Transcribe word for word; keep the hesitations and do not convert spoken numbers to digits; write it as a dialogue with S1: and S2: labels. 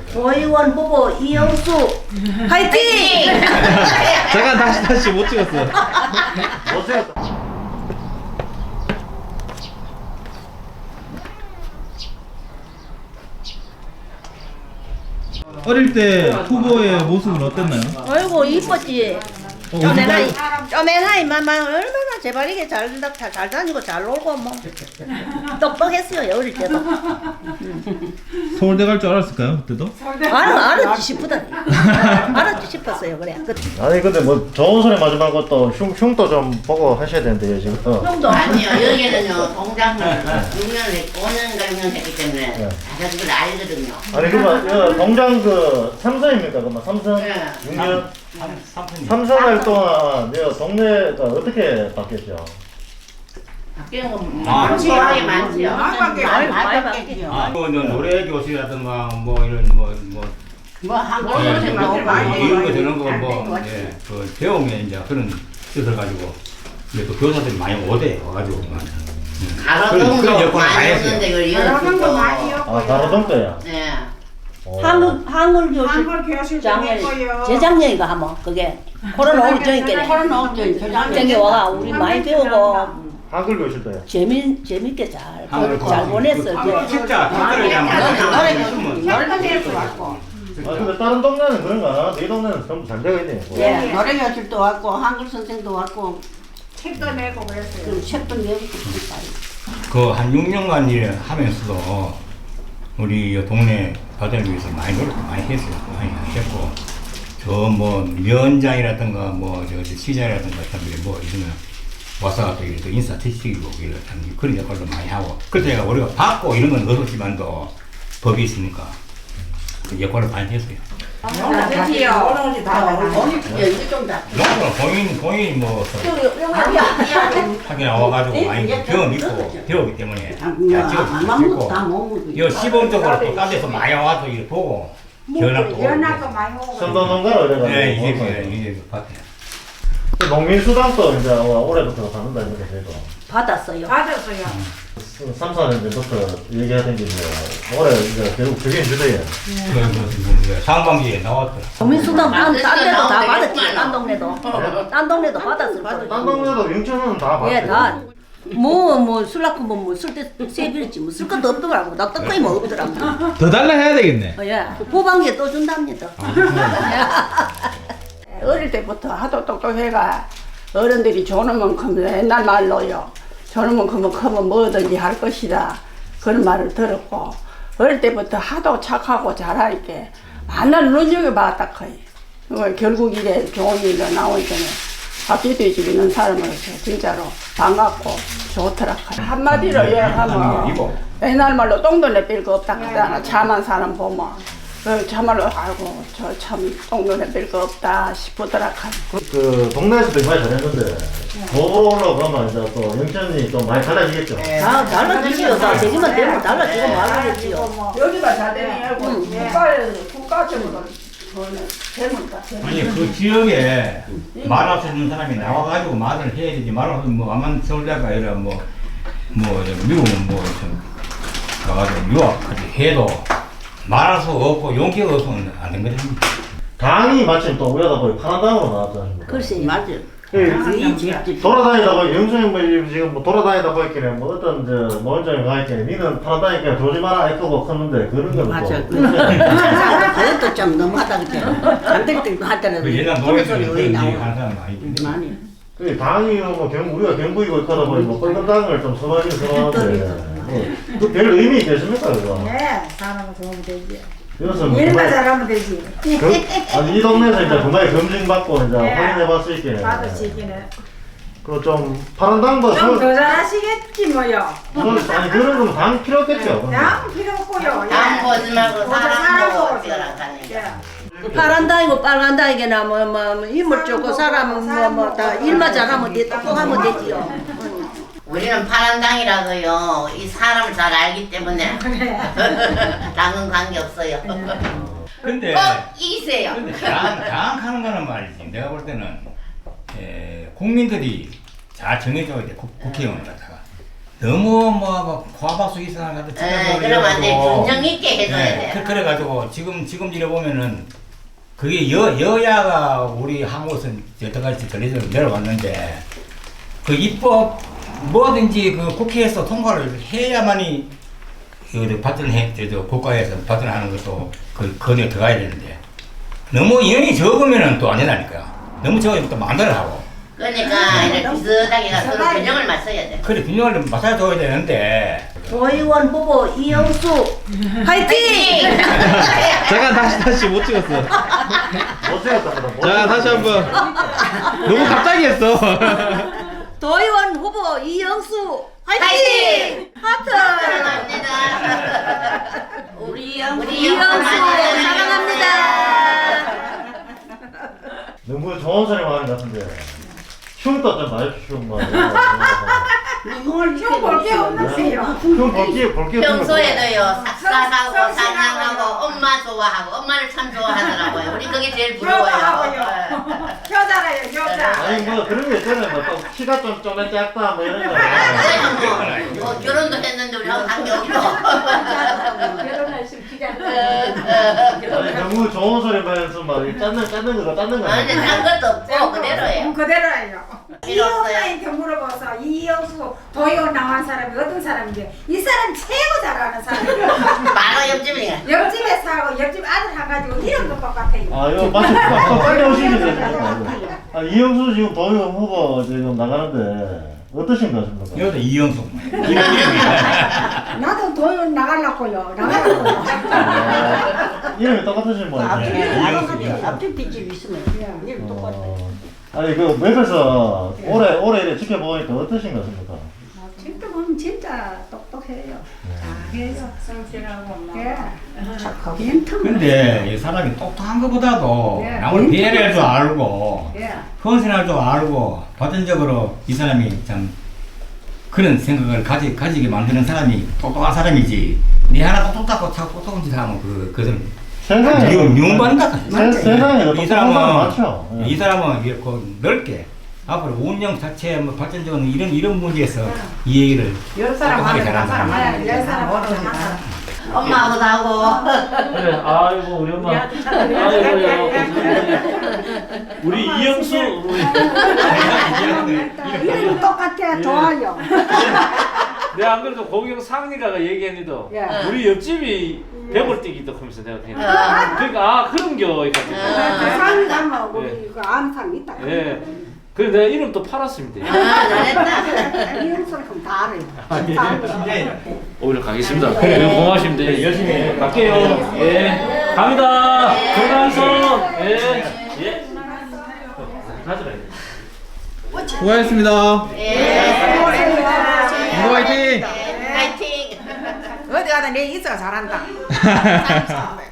S1: 조희원 후보 이영수 화이팅!
S2: 잠깐 다시 다시 못 찍었어.
S3: 못 찍었다.
S2: 어릴 때 후보의 모습은 어땠나요?
S1: 아이고 이뻤지.
S2: 어,
S1: 쪼매나이 쪼매나이 마마 얼마나 재발이게 잘, 잘, 잘 다니고 잘 놀고 뭐 똑똑했어요 어릴 때도.
S2: 서울대 갈 줄 알았을까요 그때도?
S1: 알아 알았지 싶더니 알았지 싶었어요 그래. 그,
S3: 아니 근데 뭐 좋은 소리 마지 말고 또 흉, 흉도 좀 보고 하셔야 되는데요 지금. 어.
S1: 형도
S4: 아니요, 여기는요, 동작을 육 년 했고, 오 년인가 육 년 했기 때문에,
S3: 네.
S4: 다 그걸 알거든요.
S3: 아니 그러면 어, 동장 그 삼선입니까? 그러면 삼선
S4: 네.
S3: 육 년
S5: 삼
S3: 삼선 할 동안 여 동네가 어떻게 바뀌었죠?
S4: 바뀌는 건
S5: 아,
S4: 많지요. 많지요.
S1: 많이 많이 바뀌죠.
S5: 아, 뭐 노래 교실이라든가 뭐 이런 뭐뭐
S4: 뭐, 한국
S5: 예,
S4: 선생님
S5: 뭐,
S4: 많이
S5: 이런 거 저런 거뭐 예, 그 배움에 이제 그런 뜻을 가지고 이제 또 교사들이 많이 오대 와가지고 막 그런-
S4: 가로등도
S5: 그런 역할을 많이
S4: 많이
S5: 했어요.
S4: 오는데 그걸 이어주고.
S3: 아 가로등 때야.
S4: 네.
S3: 어.
S1: 한국 한글 교실
S6: 한글 교실
S1: 작년
S6: 했고요.
S1: 재작년인가 하면 그게 코로나 오기 전이겠네.
S4: 코로나 오기 전에
S1: 전에 와가 우리 많이 배우고
S3: 한글 교실 때야.
S1: 재미 재밌게 잘
S5: 한글
S1: 잘 보냈어
S5: 그
S1: 이제.
S5: 책자 책자를 그냥
S4: 노래
S5: 쓰면
S4: 노래 교실도 왔고.
S3: 아 근데 다른 동네는 그런 거 안 하나? 이 동네는 전부 잘 되어 있네. 뭐.
S1: 예.
S4: 노래 교실도 왔고, 한글 선생도 왔고,
S6: 책도 내고 그랬어요.
S4: 그 책도 내고
S5: 그한 육 년간 일 하면서도 우리 이 동네 발전을 위해서 많이 노력도 많이 했어요. 많이 했고 저 뭐 위원장이라든가 뭐저 시장이라든가 뭐 이러면 와서 또 이렇게 인사 티시고 이런 그런 역할도 많이 하고 그때 우리가 받고 이런 건 없었지만도 법이 있으니까 그 역할을 많이 했어요.
S6: 그렇지요.
S5: 농구는 본인 본인이 뭐 하긴 나와가지고 많이 경험 있고 배우기 때문에 야 찍고 이 시범적으로 또 딴 데서 많이 와서 이렇게 보고 견학도
S6: 연락도
S5: 오고
S6: 많이 오고.
S3: 선도농가로 이래가지고.
S5: 네 이제 이제 밭에
S3: 농민수당도 이제 올해부터 받는다 이렇게 저희도.
S1: 받았어요.
S6: 받았어요.
S3: 삼, 사 년 전부터 얘기하던 게 이제 올해 이제 결국 적용 주대요.
S5: 상반기에 나왔더라.
S1: 국민수당 딴, 딴 데도 다 받았지. 딴 동네도. 딴 동네도 받았을 거예요.
S3: 딴 동네도 영천은 다 받았어요.
S1: 예, 다. 뭐, 뭐, 술 낳고 뭐, 뭐, 쓸때 세비랬지. 뭐, 쓸 것도 없더라고. 나 떡거이 뭐 없더라고.
S2: 더 달라 해야 되겠네.
S1: 어, 예. 후반기에 또 준답니다.
S7: 어릴 때부터 하도 똑똑해가 어른들이 조는 만큼 옛날 말로요. 조는 만큼은 크면 뭐든지 할 것이다. 그런 말을 들었고 어릴 때부터 하도 착하고 잘하니까 만날 눈여겨봤다 커요. 어, 결국 이래 좋은 일로 나오니까 박쥐돼지 있는 사람으로서 진짜로 반갑고 좋더라 커요. 한마디로 요약하면 옛날 말로 똥도 내뺄 거 없다 그러잖아. 참한 사람 보면 그 참말로 아이고 저 참 똥눈에 뺄 거 없다 싶더라 카이.
S3: 그 동네에서도 많이 잘했는데 법으로 올라오고 그러면 이제 또 영천이 좀 많이 달라지겠죠.
S1: 다 달라지지요. 다 되기만 되면 달라지고 말겠지요.
S7: 여기가 잘 되면 국가에 국가적으로 저는 되는 것 같아요.
S5: 아니 그 지역에 말할 수 있는 사람이 나와가지고 말을 해야 되지 말할 수 뭐 아만 서울대가 아니라 뭐뭐 미국 뭐좀 가가지고 유학까지 해도 말할 수 없고 용기가 없으면 안 된 거죠.
S3: 당이 마침 또 우리하다 보니 파란당으로 나왔지 않습니까?
S1: 글쎄, 맞아요.
S3: 예, 돌아다니다 보니 영수이 뭐 지금 뭐 돌아다니다 보니까 뭐 어떤 저 모임장에 가 있길래 니는 파란당이니까 들어오지 마라 이거고 컸는데 그런 거는
S4: 맞아.
S3: 또
S4: 그것도 좀 너무하다 그때. 안될 때도 하더라도.
S5: 그 옛날 노래들이 그런 얘기 하는 사람 많이 있는데.
S4: 많이.
S3: 그 당이 뭐 경, 우리가 경부이고 하다 보니 뭐 빨간당을 좀 선호하긴 선호하는데 그 별 의미 있겠습니까 그거?
S6: 네, 사람은 좋으면 되지.
S3: 이것은 뭐
S6: 일만
S3: 정말
S6: 잘하면 되지.
S3: 그, 아니 이 동네에서 이제 정말 검증받고 이제
S6: 네.
S3: 확인해볼 수 있게
S6: 받으시기는.
S3: 그좀 파란당도
S6: 좀 더 잘하시겠지 뭐요.
S3: 아니 그런 거면 당 필요 없겠죠. 근데.
S6: 양 필요 없고요.
S4: 당 보지 말고 사람 보고
S6: 보고
S4: 찍어라 하니까.
S1: 파란 다이고 빨간 다이게나 뭐, 뭐, 뭐 힘을 주고 사람은 뭐, 뭐, 다 일만 잘하면 돼, 똑똑하면 되지요.
S4: 우리는 파란당이라서요. 이 사람을 잘 알기 때문에 당은 관계 없어요.
S5: 근데
S4: 꼭 이기세요.
S5: 근데 장, 장악하는 거는 말이지. 내가 볼 때는 에, 국민들이 잘 정해줘야 돼. 국, 국회의원을 갖다가 너무 뭐 과박수 이상한 것도
S4: 에, 그러면 안 돼. 균형 있게 해줘야 돼.
S5: 그, 그래가지고 지금 지금 이래 보면은 그게 여 여야가 우리 한국은 여태까지 전해져 내려왔는데 그 입법 뭐든지 그 국회에서 통과를 해야만이 그 발전해 저 국가에서 발전하는 것도 그 건에 들어가야 되는데 너무 인원이 적으면은 또 안 된다니까요. 너무 적으면 또 만들어 하고.
S4: 그러니까 이렇게 비슷하게 가서 균형을 맞춰야 돼.
S5: 그래 균형을 맞춰줘야 되는데.
S1: 도의원 후보 이영수 화이팅!
S2: 잠깐 다시 다시 못 찍었어.
S3: 못 찍었다 그럼. 못
S2: 자 다시 한번. 너무 갑자기 했어.
S1: 도의원 후보 이영수 화이팅! 하트!
S4: 사랑합니다.
S1: 우리 이영수
S4: 우리
S1: 이영수
S4: 이영수
S1: 사랑합니다.
S3: 너무 좋은 소리 많은 것 같은데. 흉도 좀 봐주시오 뭐.
S7: 흉 볼게 없으세요.
S3: 흉 볼게 볼게.
S4: 평소에도요 삭삭하고 사냥하고 엄마 좋아하고 엄마를 참 좋아하더라고요. 우리 그게 제일 부러워요.
S6: 효자하고요. 효자라요 효자.
S3: 아니 뭐 그런 게 있잖아요. 뭐또 키가 좀 쪼매 작다 뭐 이런 거.
S4: 그래서 뭐, 뭐 결혼도 했는데 우리하고 관계없고.
S7: 결혼했으면 기자.
S3: 아니 너무 좋은 소리 말해서 막 짰는 짰는 거가 짰는 거
S4: 아니 딴 것도 없고 그대로예요.
S6: 그대로예요.
S4: 필요 없어요.
S6: 이영수한테 물어봐서 이영수 도의원 나온 사람이 어떤 사람인데 이 사람 최고 잘 아는 사람이에요.
S4: 바로 옆집이야.
S6: 옆집에 사고 옆집 아들 한 가지고 이름도 똑같아요.
S3: 아 이거 마치 빨리 오시면 되죠. 아 이영수 지금 도의원 후보 지금 나가는데 어떠신가 싶습니까?
S5: 이것도 이영수. 이름이.
S7: 나도 도연 나가려고요. 나가려고요.
S3: 아, 이름이 똑같으신 분.
S5: 이영수.
S1: 앞집 뒷집 있으면
S7: 이름 똑같아.
S3: 어, 아니 그 웹에서 오래 오래 이렇게 지켜보니까 어떠신 것 같습니까?
S7: 진짜 보면 진짜 똑똑해요. 잘해요.
S6: 성실하고
S7: 예. 착하고 멘트만.
S5: 근데 이 사람이 똑똑한 것보다도
S7: 예.
S5: 남을 배려할 줄 알고
S7: 예.
S5: 헌신할 줄 알고 발전적으로 이 사람이 참 그런 생각을 가지, 가지게 만드는 사람이 똑똑한 사람이지 니 하나 똑똑하고 자꾸 똑똑한 짓 하면 그, 그것은
S3: 세상에
S5: 미움, 미움받는다.
S3: 세- 세상에
S5: 이
S3: 똑똑한 사람
S5: 사람은,
S3: 많죠. 예.
S5: 이 사람은 이렇게 넓게 앞으로 운영 자체 뭐 발전적인 이런, 이런 문제에서 이 얘기를
S7: 열 사람
S5: 똑똑하게
S7: 하면 한
S5: 잘한다.
S7: 사람 열 사람 하면 한 사람.
S4: 엄마하고도 하고.
S8: 그래, 아이고 우리 엄마, 아이고요, 우리 이영수, 우리
S7: 이름 똑같아. 좋아요.
S8: 내가 안 그래도 고경 상리가가 얘기했는데
S7: 예.
S8: 우리 옆집이 배골뛰기도 하면서 내가 그냥
S4: 아.
S8: 그러니까 아 그런 겨 이가지고
S7: 상 가면 우리 그 암상 있다.
S8: 예, 그래서 내가 이름 또 팔았습니다.
S4: 아 잘했다.
S7: 이름소리금 다 알아요.
S8: 오히려 가겠습니다. 네, 고맙습니다. 예, 열심히 갈게요. 예, 갑니다. 건강성. 예, 예. 가져라.
S2: 수고하셨습니다.
S4: 예.
S2: 인도 화이팅!
S4: 파이팅.
S6: 어디 가다 내 있어 잘한다.